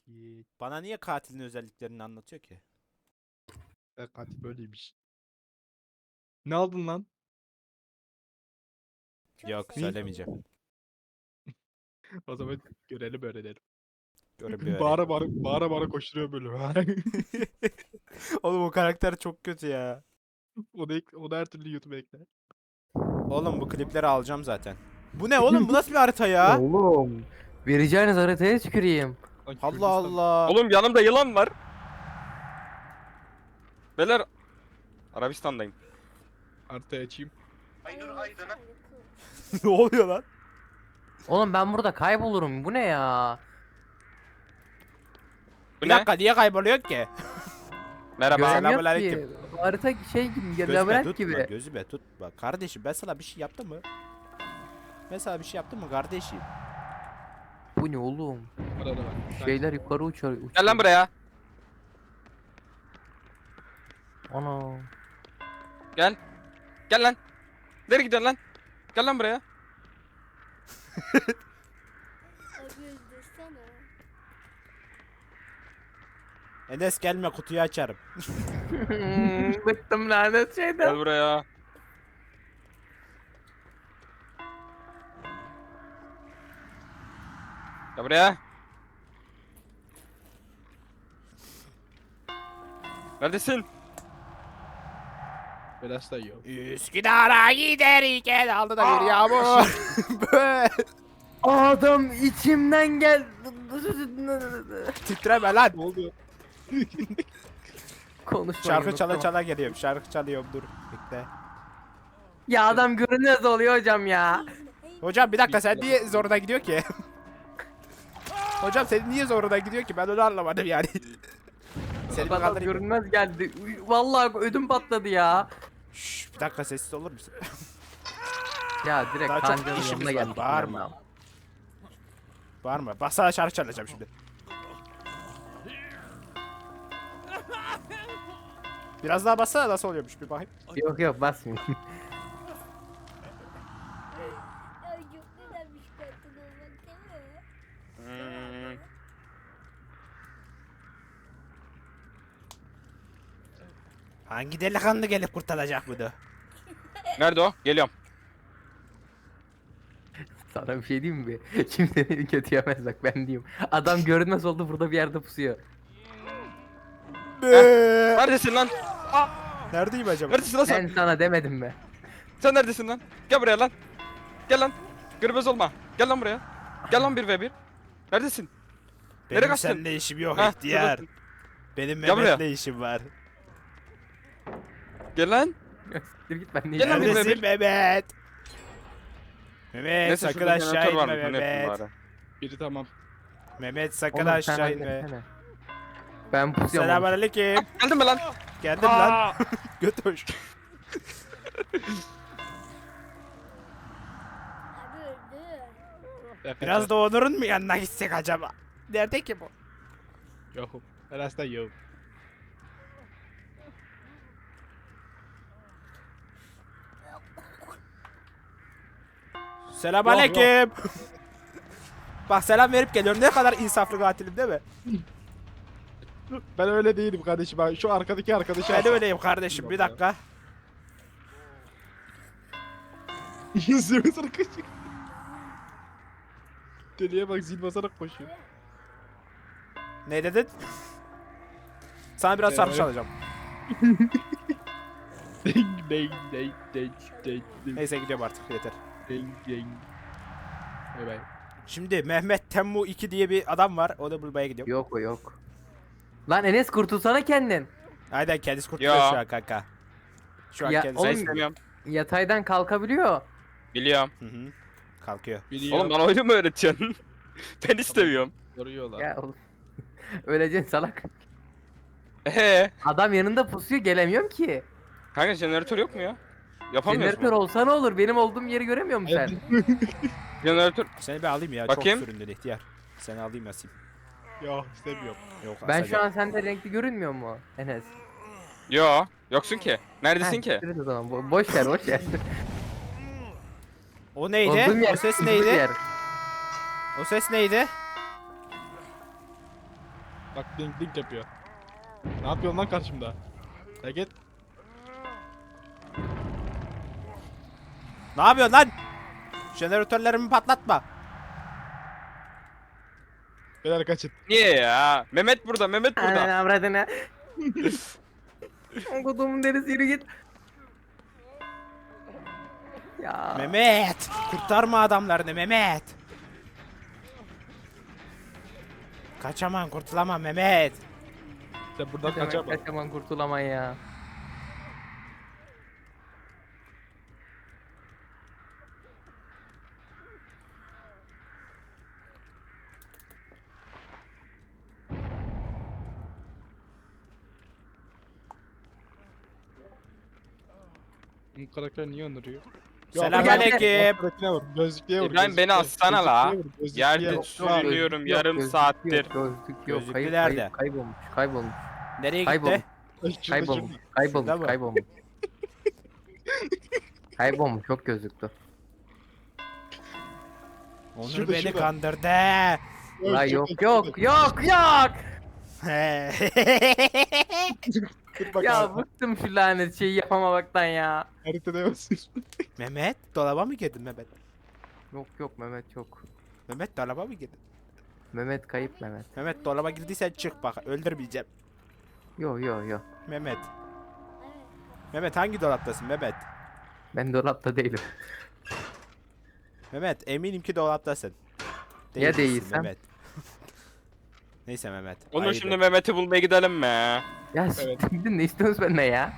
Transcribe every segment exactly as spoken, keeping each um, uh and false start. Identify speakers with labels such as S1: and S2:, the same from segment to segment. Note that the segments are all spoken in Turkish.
S1: Git.
S2: Bana niye katilin özelliklerini anlatıyor ki?
S1: E, katil böyleymiş. Ne aldın lan?
S2: Yok
S1: Ne?
S2: söylemeyeceğim.
S1: O zaman görelim öğrenelim.
S2: Görün bir öğrenin.
S1: Bağıra bağıra, bağıra bağıra koşturuyor böyle.
S2: Oğlum o karakter çok kötü ya.
S1: Onu, ek, onu her türlü YouTube'a ekle.
S2: Oğlum bu klipleri alacağım zaten. Bu ne oğlum? Bu nasıl bir harita ya?
S3: Oğlum. Vereceğiniz haritaya tüküreyim.
S1: Lan
S2: Allah
S1: Kürdistan
S2: Allah.
S4: Oğlum yanımda yılan var. Beyler Arabistan'dayım.
S1: haritayı açayım.
S2: Ne oluyor lan?
S3: Oğlum ben burada kaybolurum. Bu ne ya?
S4: Bu
S2: Bir
S4: ne?
S2: dakika niye kayboluyor ki?
S4: Merhaba.
S3: Göremiyorum
S2: Selamünaleyküm.
S3: ki. Harita şey gibi,
S2: Gözüme
S3: labirent
S2: tutma,
S3: gibi.
S2: gözüme tutma. Kardeşim ben sana bir şey yaptım mı? Ben sana bir şey yaptım mı kardeşim?
S3: Bu ne oğlum?
S1: Arada bak.
S3: Şeyler yukarı uçuyor. uçuyor.
S4: Gel lan buraya.
S3: Ana.
S4: Gel. Gel lan. Nereye gidiyorsun lan? Gel lan buraya.
S2: Enes gelme kutuyu açarım.
S3: Bıktım lanet
S4: Gel
S3: şeyden.
S4: buraya. Gel buraya. Neredesin?
S1: Biraz da yiyor.
S2: Üsküdar'a giderken aldı da bir yağmur. Böyle.
S3: Adam içimden gel.
S2: Titreme lan.
S1: Ne oldu?
S3: Konuşmayı
S2: Şarkı çala
S3: unuttum.
S2: çala geliyorum. Şarkı çalıyorum dur. Bekle.
S3: Ya adam görünmez oluyor hocam ya.
S2: Hocam bir dakika sen niye zoruna gidiyor ki? Hocam senin niye zoruna gidiyor ki? Ben onu anlamadım yani. Seni bir
S3: Adam
S2: kaldırayım.
S3: görünmez geldi. Vallahi ödüm patladı ya.
S2: Şşş, bir dakika sessiz olur musun?
S3: Ya direkt
S2: Daha çok
S3: kancanın
S2: işimiz
S3: yanına
S2: var,
S3: geldik.
S2: bağırma. Bağırma. Bak sana şarkı çalacağım şimdi. Biraz daha bassana nasıl oluyormuş bir bakayım.
S3: Yok yok basmayayım.
S5: Ay çok güzelmiş katil olmak değil mi?
S4: Hmm.
S2: Hangi delikanlı gelip kurtaracak bunu?
S4: Nerede o? Geliyorum.
S3: Sana bir şey diyeyim mi? Kimse beni kötü yemez bak ben diyeyim. Adam görünmez oldu burada bir yerde pusuyor.
S4: Neredesin lan?
S2: Neredeyim acaba?
S4: Neredesin lan sen?
S3: Ben sana demedim mi?
S4: Sen neredesin lan? Gel buraya lan. Gel lan. Gürbüz olma. Gel lan buraya. Gel lan bir ve bir. Neredesin? Nereye
S2: Benim
S4: kaçtın?
S2: seninle işim yok
S4: Hah,
S2: ihtiyar.
S4: şuradasın.
S2: Benim
S4: Gel buraya.
S2: Mehmet'le işim var.
S4: Gel lan.
S3: Siktir git ben
S4: Gel lan
S3: diyeceğim.
S4: bir ve
S2: Neredesin Mehmet? Mehmet
S4: Neyse
S2: sakın
S4: şurada
S2: aşağı
S4: jeneratör
S2: inme
S4: varmış. Onu yapayım
S2: Mehmet.
S4: bari.
S1: Biri tamam.
S2: Mehmet sakın
S3: Oğlum sen
S2: aşağı inme.
S3: halletsene. Ben pusuyorum. oğlum.
S2: Selamünaleyküm.
S4: Geldin mi lan?
S2: Geldim lan. Göt hoş.
S5: Abi öldü.
S2: Biraz da Onur'un mu yanına gitsek acaba? Nerede ki bu?
S1: Yokum. Biraz da yok.
S2: Selamünaleyküm. Bak selam verip geliyorum. Ne kadar insaflı katilim değil mi?
S1: Ben öyle değilim kardeşim. Ben şu arkadaki arkadaşı
S2: Ben öyleyim kardeşim. Bir dakika.
S1: Zil basarak koşuyor. Deliye bak zil basarak koşuyor.
S2: Ne dedin? Sana biraz şarkı
S1: Ee,
S2: çalacağım.
S1: Ding ding ding ding ding ding
S2: Neyse gidiyorum artık yeter.
S1: ding ding. Bay bay.
S2: Şimdi Mehmet Temmu iki diye bir adam var. Onu bulmaya gidiyorum.
S3: Yok o yok. Lan Enes kurtulsana kendin.
S2: Aynen kendisi kurtuluyor
S4: Ya.
S2: şu an kanka. Şu an
S3: Ya,
S2: kendisi.
S4: Ben
S3: oğlum-
S4: istemiyorum.
S3: Yataydan kalkabiliyor.
S4: Biliyorum.
S2: Hı hı. Kalkıyor.
S1: Biliyor.
S4: Oğlum bana oyunu mu öğretiyorsun? Ben istemiyorum.
S1: Soruyorlar.
S3: Ya oğlum. Öleceksin salak.
S4: Eee?
S3: Adam yanında pusuyor gelemiyorum ki.
S4: Kanka jeneratör yok mu ya? Yapamıyoruz
S3: Jeneratör
S4: mu?
S3: olsa ne olur? Benim olduğum yeri göremiyor musun sen?
S4: Jeneratör.
S2: Seni bir alayım ya.
S4: Bakayım.
S2: Çok süründün ihtiyar. Seni alayım asayım.
S1: Yok istemiyorum.
S2: Yok
S3: Ben
S2: asacağım.
S3: şu an sende renkli görünmüyor mu Enes?
S4: Yo. Yoksun ki. Neredesin
S3: Heh,
S4: ki?
S3: siktir et o zaman. Bo- boş ver boş ver.
S2: O neydi?
S3: Olduğum yer,
S2: O ses
S3: olduğum
S2: neydi?
S3: yer.
S2: O ses neydi?
S1: Bak dink dink yapıyor. Ne yapıyorsun lan karşımda? Ya git.
S2: Ne yapıyorsun lan? Jeneratörlerimi patlatma.
S1: Beyler kaçın.
S4: Niye ya? Mehmet burada, Mehmet burada.
S3: Ananı avradını. Kodumun derisi yürü git. Ya.
S2: Mehmet. Kurtarma adamlarını Mehmet. Kaçamam kurtulamam Mehmet.
S1: Sen buradan
S3: Ne demek
S1: kaçamam.
S3: kaçaman kurtulaman ya.
S1: Bu karakter niye öldürüyor?
S2: Selamünaleyküm.
S1: Gözlükliye vur. Gözlükliye vur.
S4: İbrahim, beni
S1: gözlükliye-
S4: atsana la.
S1: gözlükliye vur, gözlükliye
S4: Yerde
S1: vur.
S4: sürünüyorum
S3: Yok,
S4: yarım
S3: gözlük
S4: saattir.
S3: Yok, gözlük yok.
S2: Gözlüklü
S3: Kayıp,
S2: nerede?
S3: kayıp, kaybolmuş, kaybolmuş,
S2: Nereye Gitti.
S1: Ay,
S2: gitti?
S1: şurada,
S3: kaybolmuş,
S1: şurada.
S3: kaybolmuş,
S2: Şurada mı?
S3: kaybolmuş. Kaybolmuş, çok gözlüktü.
S2: Onur
S1: Şurada,
S2: beni
S1: şurada.
S2: kandırdı.
S3: La
S1: Şurada,
S3: yok,
S1: şurada.
S3: yok, yok, yok.
S1: Dur bak
S3: Ya
S1: abi,
S3: bıktım şu lanet şeyi yapamamaktan ya.
S1: haritada basın.
S2: Mehmet dolaba mı girdin Mehmet?
S3: Yok yok Mehmet yok.
S2: Mehmet dolaba mı girdin?
S3: Mehmet kayıp Mehmet.
S2: Mehmet dolaba girdiysen çık bak öldürmeyeceğim.
S3: Yok yok yok.
S2: Mehmet. Mehmet hangi dolaptasın Mehmet?
S3: Ben dolapta değilim.
S2: Mehmet eminim ki dolaptasın.
S3: Ya
S2: Değilsin
S3: değilsem?
S2: Mehmet. Neyse Mehmet.
S4: Onur
S2: haydi.
S4: şimdi Mehmet'i bulmaya gidelim mi?
S3: Ya
S1: Evet.
S3: siktir gidin, ne istiyorsunuz benden ya?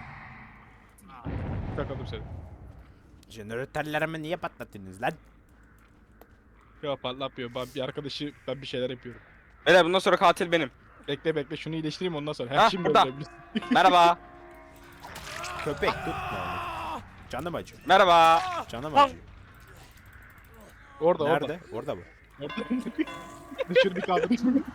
S1: Bakalım seni.
S2: Jeneratörlerimi niye patlattınız lan?
S1: Ya patlatmıyor. Ben bir arkadaşı ben bir şeyler yapıyorum.
S4: Beyler bundan sonra katil benim.
S1: Bekle bekle şunu iyileştireyim ondan sonra. Her
S4: Ha,
S1: şimdi
S4: burada.
S1: öldürebilirsin.
S4: Merhaba.
S2: Köpek tutma onu. Canım acıyor.
S4: Merhaba.
S2: Canım acıyor.
S1: Orada
S2: Nerede? Orada mı?
S1: orada. Orada. Düşür bir kaldır.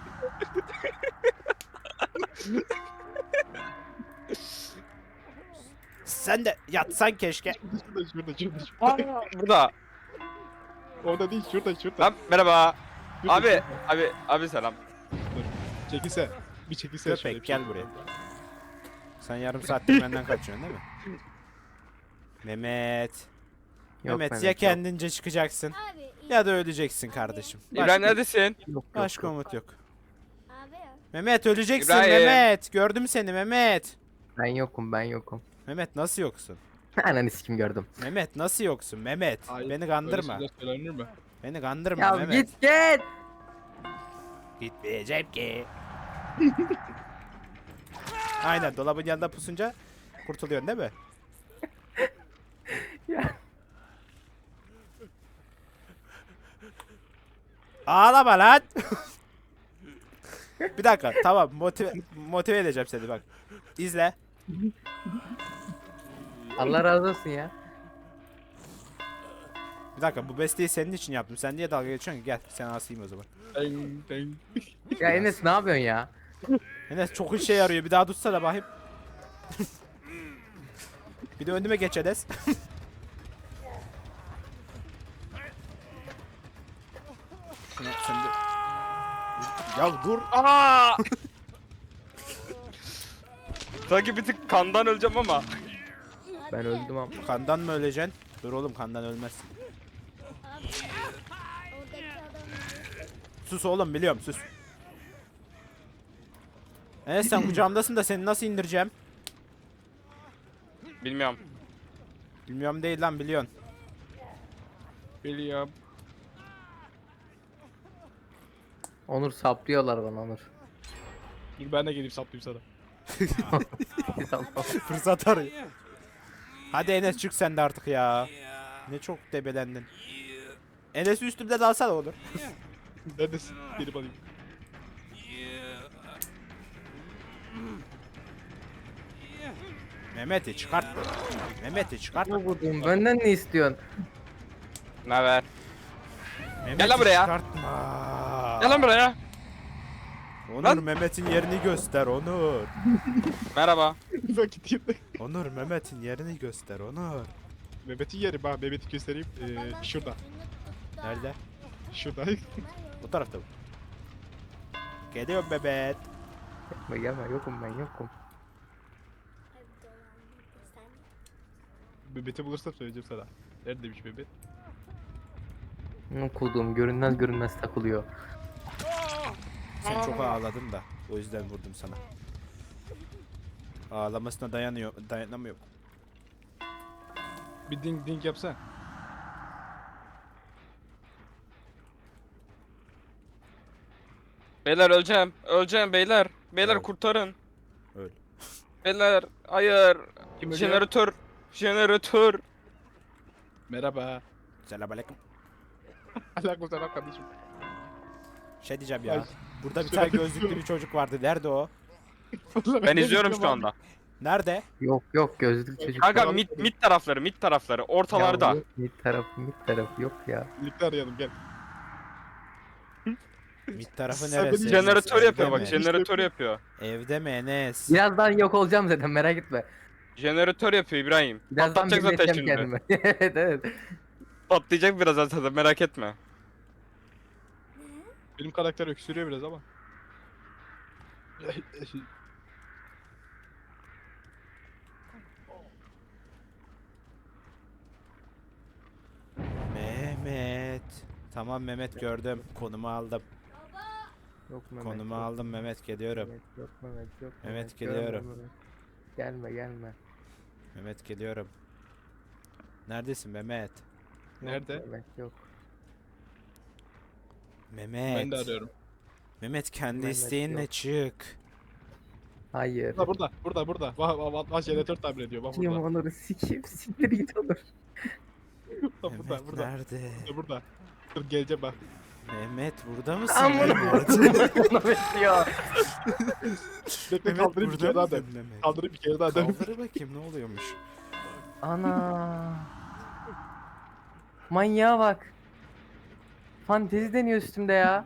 S2: Sen de yatsan keşke.
S1: Şurada şurada şurada. şurada.
S4: Burada.
S1: Orada değil şurada şurada.
S4: Lan merhaba.
S1: Şurada,
S4: Abi,
S1: şurada.
S4: abi, abi selam.
S1: Çekilse. Bir çekilse.
S2: Köpek,
S1: şöyle bir
S2: gel
S1: şey.
S2: buraya. Sen yarım saattir benden kaçıyorsun değil mi? Mehmet.
S3: Yok,
S2: Mehmet, ya
S3: yok.
S2: kendince çıkacaksın
S5: Abi.
S2: ya da öleceksin kardeşim.
S4: İbrahim neredesin?
S3: Yok, yok,
S2: Başka
S3: yok.
S2: umut yok.
S5: Abi.
S2: Mehmet öleceksin
S4: İbrahim.
S2: Mehmet. Gördüm seni Mehmet.
S3: Ben yokum, ben yokum.
S2: Mehmet nasıl yoksun?
S3: Ananı sikim gördüm.
S2: Mehmet nasıl yoksun Mehmet?
S1: Hayır,
S2: Beni
S1: öyle
S2: kandırma.
S1: şeyler söylenir mi?
S2: Beni kandırma
S3: Ya
S2: Mehmet.
S3: git git.
S2: Gitmeyeceğim ki. Aynen dolabın yanında pusunca kurtuluyorsun değil mi?
S3: Ya.
S2: Ağlama lan. Bir dakika tamam motive, motive edeceğim seni bak. İzle.
S3: Allah razı olsun ya.
S2: Bir dakika bu besteyi senin için yaptım. Sen niye dalga geçiyorsun ki? Gel sen asayım o zaman.
S1: Deng, deng.
S3: Ya Enes ne yapıyorsun ya?
S2: Enes çok işe yarıyor. Bir daha tutsana bakayım. Bir de önüme geç Enes. Şuna sen de... Ya dur.
S4: Aa! Sanki bir tık kandan öleceğim ama.
S3: Ben öldüm ama.
S2: Kandan mı öleceksin? Dur oğlum kandan ölmezsin.
S5: Abi. Oradaki adam.
S2: Sus oğlum biliyorum sus. Enes sen kucağımdasın da seni nasıl indireceğim?
S4: Bilmiyorum.
S2: Bilmiyorum değil lan biliyorsun.
S1: Biliyorum.
S3: Onur saplıyorlar bana Onur.
S1: Dur ben de geleyim saplayayım sana.
S2: Fırsat arıyor. Hadi Enes çık sen de artık ya. Ne çok debelendin. Enes üstümde dalsana olur.
S1: Neredesin? Gelip alayım.
S2: Mehmet'i çıkart. Mehmet'i çıkart.
S3: Ne buldun? Benden ne istiyorsun?
S4: Ne haber?
S2: Mehmet'i
S4: lan buraya.
S2: çıkartma.
S4: Gel lan buraya.
S2: Onur
S4: Lan.
S2: Mehmet'in yerini göster Onur.
S4: Merhaba.
S1: Bak gideyim de.
S2: Onur Mehmet'in yerini göster Onur.
S1: Mehmet'in yeri bak Mehmet'i göstereyim. Ee, şurada.
S2: Nerede?
S1: Şurada.
S2: Bu tarafta mı? Geliyorum Mehmet.
S3: Gelme gelme yokum ben yokum.
S5: Abi dolandı sen.
S1: Mehmet'i bulursam söyleyeceğim sana. Neredeymiş Mehmet?
S3: Okuduğum görünmez görünmez takılıyor.
S2: Sen çok ağladın da. O yüzden vurdum sana. Ağlamasına dayanıyor, dayanamıyor.
S1: Bir ding ding yapsan.
S4: Beyler öleceğim. Öleceğim beyler. Beyler
S2: Öl.
S4: kurtarın.
S2: Öl.
S4: Beyler hayır.
S1: Kim ölüyor?
S4: Jeneratör. Jeneratör.
S1: Merhaba.
S2: Selamünaleyküm.
S1: Aleykümselam kardeşim.
S2: Şey diyeceğim ya.
S1: Ay,
S2: Burada bir
S1: şuna
S2: tane
S1: bir-
S2: gözlüklü bir çocuk vardı. Nerede o?
S4: Ben izliyorum şu anda.
S2: Nerede?
S3: Yok yok gözlük çocuk.
S4: Kanka
S1: Tamam.
S4: mid, mid tarafları mid tarafları ortalarda.
S3: Ya, yok, mid tarafı mid tarafı yok ya.
S1: Birlikte arayalım gel.
S2: Mid tarafı
S1: Sen
S2: neresi?
S1: beni
S4: Jeneratör
S2: Evde
S4: yapıyor bak
S2: mi?
S4: jeneratör yapıyor.
S2: Evde mi Enes?
S3: Birazdan yok olacağım zaten merak etme.
S4: Jeneratör yapıyor İbrahim.
S3: Birazdan
S4: Patlatacak zaten
S3: birleşeceğim
S4: şimdi.
S3: kendime. Evet evet.
S4: Patlayacak birazdan zaten merak etme.
S1: Benim karakter öksürüyor biraz ama.
S2: Mehmet. Tamam Mehmet gördüm. Konumu aldım.
S3: Yok Mehmet.
S2: Konumu
S3: yok.
S2: aldım Mehmet geliyorum.
S3: Mehmet, yok Mehmet yok.
S2: Mehmet,
S3: görme
S2: geliyorum.
S3: Mehmet. Gelme gelme.
S2: Mehmet geliyorum. Neredesin Mehmet?
S3: Yok
S1: Nerede?
S3: Mehmet yok.
S2: Mehmet.
S1: Ben de arıyorum.
S2: Mehmet kendi
S3: Mehmet
S2: isteğinle
S3: yok.
S2: çık.
S3: Hayır.
S1: Burada burada burada burada. Vah vah vah vah jeneratör tamir ediyor. Bak
S3: Kim
S1: burada.
S3: onları sikeyim siktir git olur.
S1: Bak burada
S2: Mehmet
S1: burada.
S2: nerede?
S1: Burada burada. Dur geleceğim bak.
S2: Mehmet burada mısın?
S3: Amına
S2: Mehmet?
S3: Mehmet ya.
S1: Bekle
S2: Mehmet
S1: kaldırayım bir kere
S2: burada
S1: daha dön.
S2: mısın Mehmet?
S1: Kaldırayım bir kere daha dön.
S2: Kaldır bakayım ne oluyormuş.
S3: Ana. Manyağa bak. Fantezi deniyor üstümde ya.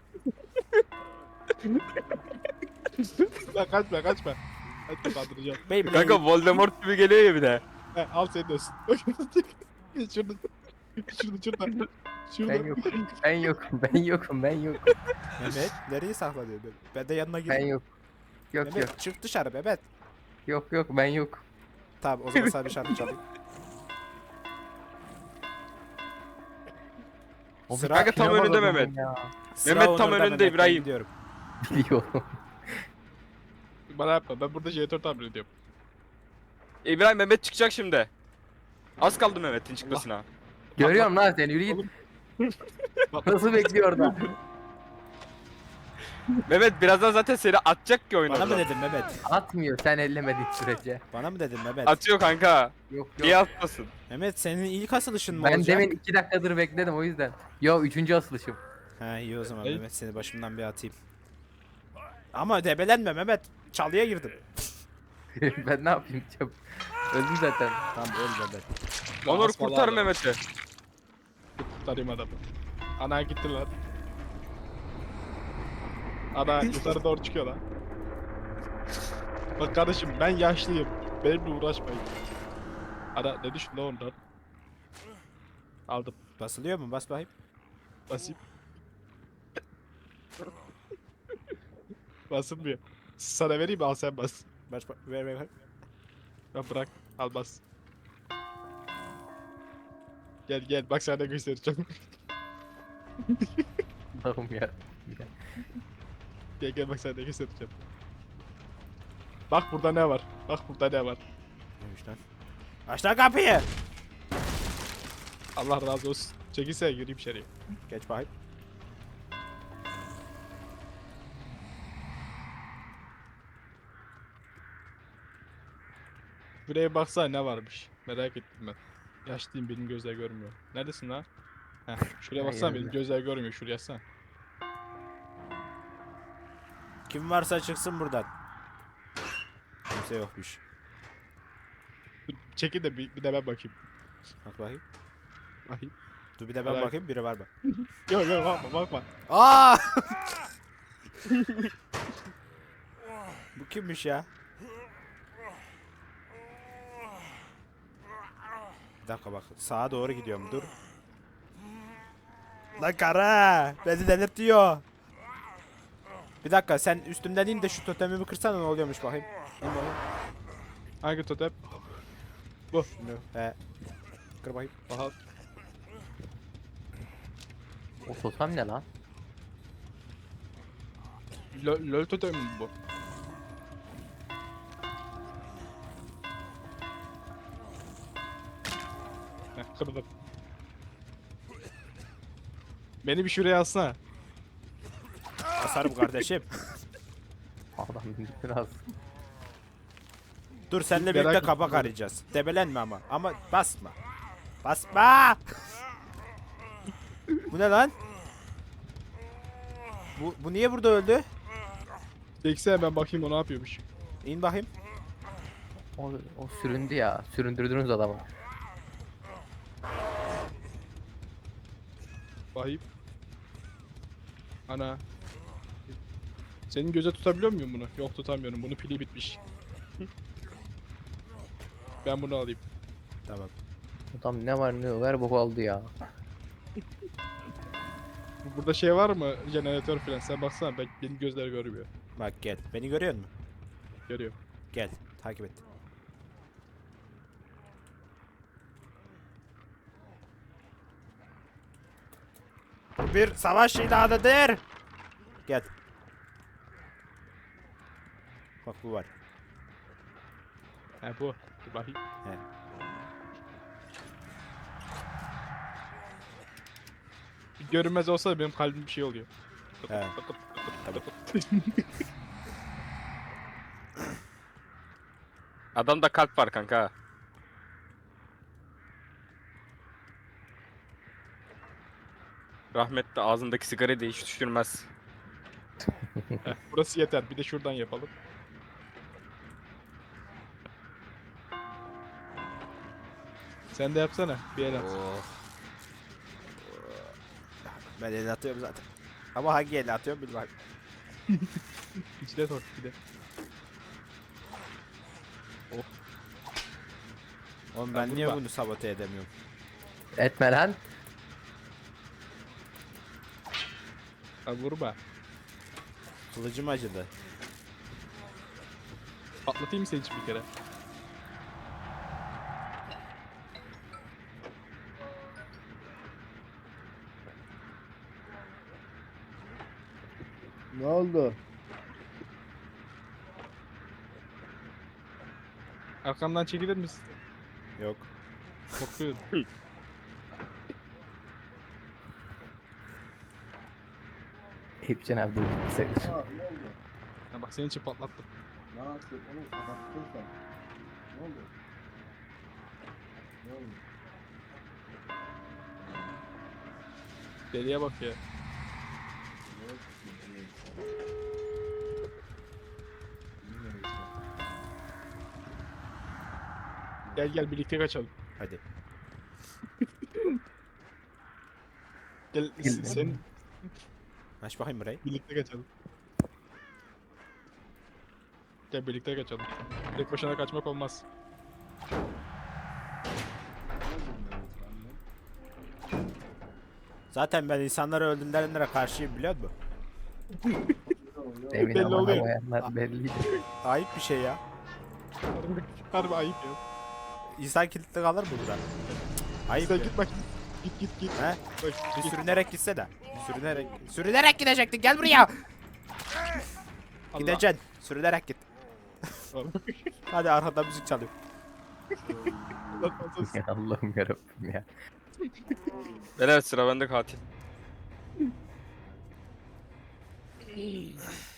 S1: Lan kaçma kaçma. Hadi kaldıracağım.
S2: Beyblade.
S4: Kanka Voldemort gibi geliyor ya bir de.
S1: He, al senin olsun. Şurada. Şurada şurada. Şurada.
S3: Ben yokum. Ben yokum. Ben yokum. Ben yokum.
S2: Mehmet nereye saklanıyor? Ben- Ben de yanına
S3: Ben
S2: gireyim.
S3: yok. Yok
S2: Mehmet
S3: yok.
S2: çık dışarı Mehmet.
S3: Yok yok ben yok.
S2: Tamam o zaman sana bir şarkı çalayım. Sıra,
S4: Kanka tam
S3: Yapamadım
S4: önünde
S3: ben
S4: Mehmet.
S3: ya.
S2: sıra
S4: Mehmet tam
S2: Onur'da,
S4: önünde
S2: Mehmet, ben
S4: İbrahim.
S2: gidiyorum.
S3: Biliyorum.
S1: Bana yapma. Ben burada jeneratör tamir ediyorum.
S4: İbrahim Mehmet çıkacak şimdi. Az kaldı Mehmet'in çıkmasına.
S3: Görüyorum lan seni yürü git.
S1: Bak,
S3: Nasıl bekliyor orada?
S4: Mehmet birazdan zaten seni atacak ki
S2: Bana mı
S4: oyuna.
S2: dedin Mehmet?
S3: Atmıyor sen ellemediğin sürece.
S2: Bana mı dedin Mehmet?
S4: Atıyor kanka.
S3: Yok
S4: Niye
S3: yok.
S4: atmasın?
S2: Mehmet senin ilk asılışın mı
S3: Ben
S2: olacak?
S3: demin iki dakikadır bekledim o yüzden. Yo üçüncü asılışım.
S2: He iyi o zaman
S1: Ey.
S2: Mehmet seni başımdan bir atayım. Ama debelenme Mehmet. Çalıya girdim.
S3: Ben ne yapayım çabuk. Öldüm zaten.
S2: Tamam öl Mehmet.
S4: Onur
S1: asmalı
S4: kurtar
S1: adam.
S4: Mehmet'i.
S1: Kurtarayım adamı. Ana gitti lan. Ana yukarı doğru çıkıyor lan. Bak kardeşim ben yaşlıyım. Benimle uğraşmayın. Ana ne düştü lan ondan? Aldım.
S2: Basılıyor mu? Bas bakayım.
S1: Basayım. Basılmıyor. Sana vereyim mi? Al sen bas.
S2: Bas ver ver ver.
S1: Ben bırak. Al bas. Gel gel bak sana ne göstereceğim.
S3: Allah'ım ya.
S1: Gel gel bak sana ne göstereceğim. Bak burada ne var? Bak burada ne var?
S2: Neymiş lan? Aç lan kapıyı.
S1: Allah razı olsun. Çekilsene gireyim içeriye.
S2: Geç bakayım.
S1: Buraya baksana ne varmış. Merak ettim ben. Yaşlıyım benim gözler görmüyor. Neredesin lan? Heh, şuraya
S3: Ha,
S1: baksana benim
S3: yerde.
S1: gözler görmüyor. Şuraya yatsana.
S2: Kim varsa çıksın buradan. Kimse yokmuş.
S1: Dur, çekil de bir, bir de ben bakayım.
S2: Bak bakayım.
S1: Bakayım.
S2: Dur bir de ben
S1: Merak-
S2: bakayım biri var mı?
S1: Yok yok bakma bakma.
S2: Aa! Bu kimmiş ya? Bir dakika bak sağa doğru gidiyorum dur. Lan kara beni delirtiyor. Bir dakika sen üstümden in de şu totemimi kırsana ne oluyormuş bakayım. İn bakayım.
S1: Hangi totem?
S2: Şunu. He. Kır bakayım.
S1: Aha.
S3: O totem ne lan?
S1: Lol, lol totem mi bu? Heh, kırdım. Beni bir şuraya alsana.
S2: Asarım kardeşim.
S3: Adam biraz.
S2: Dur seninle
S1: Merak
S2: birlikte
S1: ettim
S2: kabak
S1: böyle.
S2: arayacağız. Debelenme ama. Ama basma. Basma! Bu ne lan? Bu, bu niye burada öldü?
S1: Çeksene ben bakayım o ne yapıyormuş.
S2: İn bakayım.
S3: O, o süründü ya. Süründürdünüz adamı.
S1: Bakayım. Ana. Senin göze tutabiliyor muyum bunu? Yok tutamıyorum. Bunun pili bitmiş. Ben bunu alayım.
S2: Tamam.
S3: Adam ne var ne yok her boku aldı ya.
S1: Burada şey var mı? Jeneratör falan. Sen baksana ben, benim gözler görmüyor.
S2: Bak gel. Beni görüyor musun?
S1: Görüyor.
S2: Gel. Takip et. Bu bir savaş ilanıdır. Gel. Bak bu var.
S1: He bu. Dur bakayım.
S2: He.
S1: Bir görünmez olsa da benim kalbim bir şey oluyor.
S2: He. Tabii.
S4: Adamda kalp var kanka. Rahmetli ağzındaki sigarayı da hiç düşürmez.
S1: Heh, burası yeter. Bir de şuradan yapalım. Sen de yapsana. Bir el at.
S2: Ben el atıyorum zaten. Ama hangi el atıyorum bilmem.
S1: İçine sok bir de.
S2: Oğlum
S1: Ya
S2: ben niye
S1: vurma.
S2: bunu sabote edemiyorum?
S3: Etme lan.
S1: Ha vurma.
S2: Kılıcım acıdı.
S1: Patlatayım mı seni için bir kere?
S6: Ne oldu?
S1: Arkamdan çekilir misin?
S2: Yok.
S1: Korkuyorum.
S3: Hepçen abi dur. Sayılır.
S6: Ha, ne oldu?
S1: Ha bak senin için patlattım.
S6: Ne yaptın oğlum? Kapattın sen. Ne oldu? Ne oldu?
S1: Deliye bak ya.
S6: Ne oldu? Neyse.
S1: Gel gel birlikte kaçalım.
S2: Hadi.
S1: Gel
S3: Gel.
S1: sen
S2: Aç bakayım burayı.
S1: birlikte kaçalım. Gel birlikte kaçalım. Tek başına kaçmak olmaz.
S2: Zaten ben insanları öldürenlere karşıyım biliyor musun?
S3: Emin
S1: Belli
S3: ama
S1: oluyor.
S3: havayanlar belliydi.
S2: Ayıp bir şey ya.
S1: Harbi, harbi ayıp ya.
S2: İnsan kilitli kalır mı burada? Ayıp
S1: Sen
S2: ya.
S1: git bak. Git git git.
S2: He?
S1: Bak,
S2: Bir
S1: git.
S2: sürünerek gitse de. Bir sürünerek. Sürünerek gidecektin gel buraya.
S1: Allah.
S2: Gideceksin. Sürünerek git.
S1: Allah.
S2: Hadi arkada müzik çalıyor.
S1: Allah razı olsun.
S3: Ya Allah'ım yarabbim ya.
S4: Beyler sıra bende katil.